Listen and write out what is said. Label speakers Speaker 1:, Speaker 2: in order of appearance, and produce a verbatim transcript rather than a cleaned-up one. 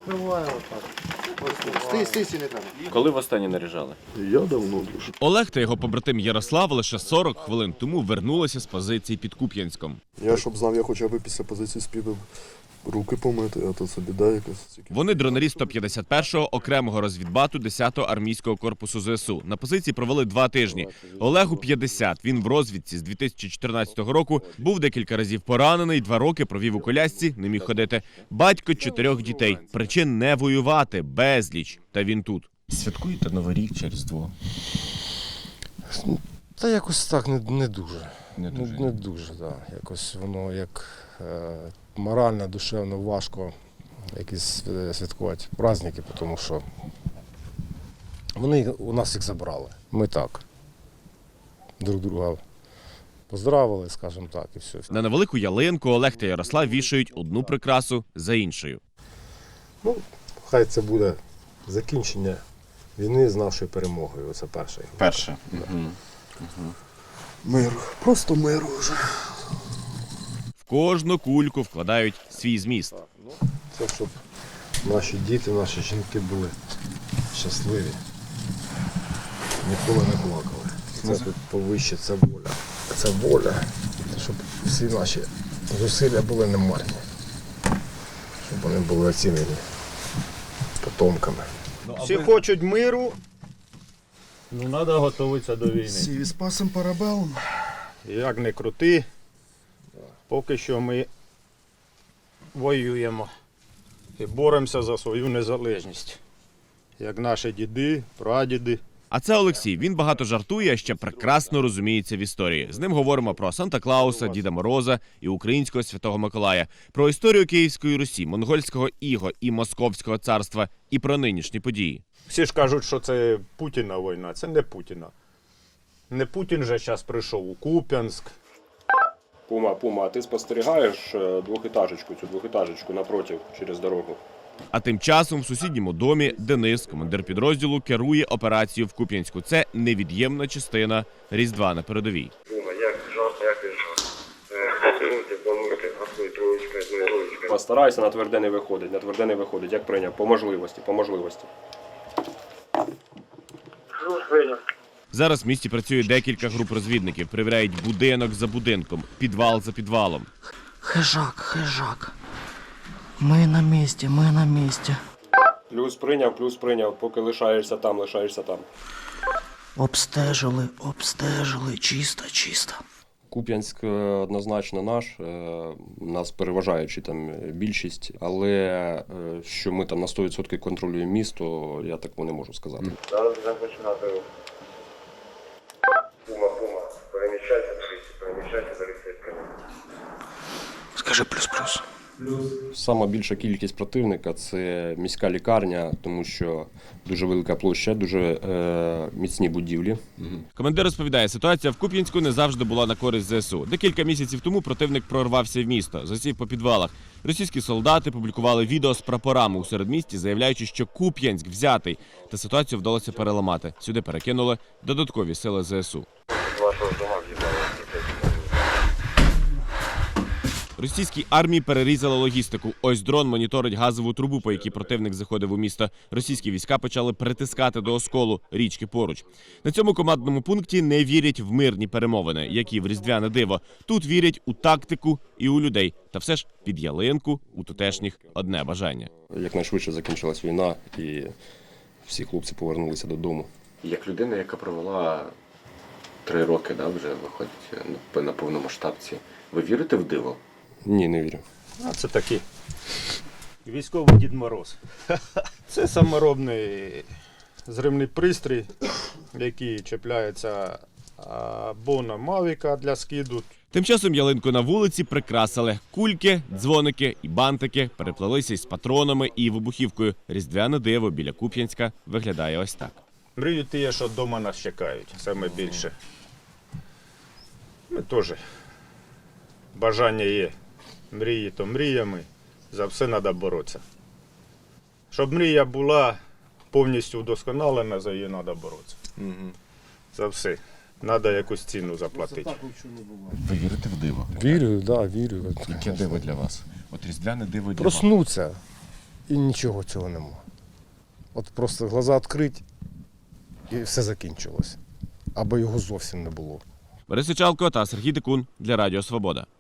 Speaker 1: Відкриваю отак. Ось, стій, стій, стій, не треба.
Speaker 2: Коли востаннє наряжали?
Speaker 1: Я давно дуже.
Speaker 3: Олег та його побратим Ярослав лише сорок хвилин тому вернулися з позиції під Куп'янськом.
Speaker 1: Я, щоб знав, я хоча б після позиції співав руки помити, а то це біда якась.
Speaker 3: Вони дронарі сто п'ятдесят першого окремого розвідбату десятого армійського корпусу ЗСУ. На позиції провели два тижні. Олегу п'ятдесят. Він в розвідці з дві тисячі чотирнадцятого року, був декілька разів поранений, два роки провів у колясці, не міг ходити. Батько чотирьох дітей. Причин не воювати, безліч. Та він тут.
Speaker 2: Святкуєте Новий рік через Різдво?
Speaker 4: Та якось так не, не дуже.
Speaker 2: Не дуже.
Speaker 4: Не, не дуже, да. Якось воно як е, морально, душевно важко якісь святкувати праздники, тому що вони у нас їх забрали. Ми так друг друга поздравили, скажімо так, і все.
Speaker 3: На невелику ялинку Олег та Ярослав вішають одну прикрасу за іншою.
Speaker 4: Ну, хай це буде закінчення війни з нашою перемогою. Оце перше.
Speaker 2: Перше. Угу.
Speaker 1: Угу. Миру. Просто миру вже.
Speaker 3: В кожну кульку вкладають свій зміст.
Speaker 4: Це щоб наші діти, наші жінки були щасливі, ніколи не плакали. Це тут повище, це воля. Це воля, щоб всі наші зусилля були немарні, щоб вони були оцінені потомками.
Speaker 5: Всі хочуть миру, ну треба готуватися до війни.
Speaker 1: Сі спасем парабелом.
Speaker 5: Як не крути, поки що ми воюємо і боремося за свою незалежність, як наші діди, прадіди.
Speaker 3: А це Олексій. Він багато жартує, а ще прекрасно розуміється в історії. З ним говоримо про Санта-Клауса, Діда Мороза і українського Святого Миколая, про історію Київської Русі, монгольського іго і Московського царства, і про нинішні події.
Speaker 5: Всі ж кажуть, що це Путіна війна. Це не Путіна. Не Путін же зараз прийшов у Куп'янськ.
Speaker 6: Пума, Пума, а ти спостерігаєш двохетажечку, цю двохетажечку напротив, через дорогу?
Speaker 3: А тим часом в сусідньому домі Денис, командир підрозділу, керує операцією в Куп'янську. Це невід'ємна частина Різдва на передовій.
Speaker 7: Пума, як жарко, як ти Помити, помити, гасуй троєчка, двоєчка.
Speaker 6: Постарайся, на тверде не виходить, на тверде не виходить, як прийняв, по можливості, по можливості.
Speaker 3: Зараз в місті працює декілька груп розвідників, перевіряють будинок за будинком, підвал за підвалом.
Speaker 8: Хижак, хижак. Ми на місці, ми на місці.
Speaker 6: Плюс прийняв, плюс прийняв, поки лишаєшся там, лишаєшся там.
Speaker 8: Обстежили, обстежили, чисто, чисто.
Speaker 6: Куп'янськ однозначно наш, нас переважаючи там більшість, але що ми там на сто відсотків контролюємо місто, я такого не можу сказати.
Speaker 7: Зараз будемо починати. Пума, Пума, переміщайся, переміщайся за лісицьками.
Speaker 8: Скажи плюс-плюс.
Speaker 6: Сама більша кількість противника – це міська лікарня, тому що дуже велика площа, дуже е, міцні будівлі.
Speaker 3: Командир розповідає, ситуація в Куп'янську не завжди була на користь ЗСУ. Декілька місяців тому противник прорвався в місто, засів по підвалах. Російські солдати публікували відео з прапорами у середмісті, заявляючи, що Куп'янськ взятий. Та ситуацію вдалося переламати. Сюди перекинули додаткові сили ЗСУ. Російській армії перерізали логістику. Ось дрон моніторить газову трубу, по якій противник заходив у місто. Російські війська почали притискати до осколу річки поруч. На цьому командному пункті не вірять в мирні перемовини, які в різдвяне диво. Тут вірять у тактику і у людей. Та все ж під ялинку у тутешніх одне бажання.
Speaker 6: Якнайшвидше закінчилась війна і всі хлопці повернулися додому.
Speaker 2: Як людина, яка провела три роки, да, вже виходить на повномасштабці, ви вірите в диво?
Speaker 6: Ні, не вірю.
Speaker 5: А це такий військовий Дід Мороз. Це саморобний зривний пристрій, який чіпляється або на мавіка для скиду.
Speaker 3: Тим часом ялинку на вулиці прикрасили. Кульки, дзвоники і бантики переплелися із патронами і вибухівкою. Різдвяне диво біля Куп'янська виглядає ось так.
Speaker 5: Мрію ті, що вдома нас чекають, саме більше. Ми теж. Бажання є. Мрії то мріями, за все треба боротися. Щоб мрія була повністю вдосконалена, за її треба боротися. Угу. За все. Треба якусь ціну заплатити.
Speaker 2: Ви вірите в диво?
Speaker 4: Вірю, так, да, вірю.
Speaker 2: Яке диво для вас? От різдвяне диво для
Speaker 4: Проснуться. і нічого цього нема. От просто глаза відкрити і все закінчилось. Або його зовсім не було.
Speaker 3: Борис Сичалко та Сергій Дикун для Радіо Свобода.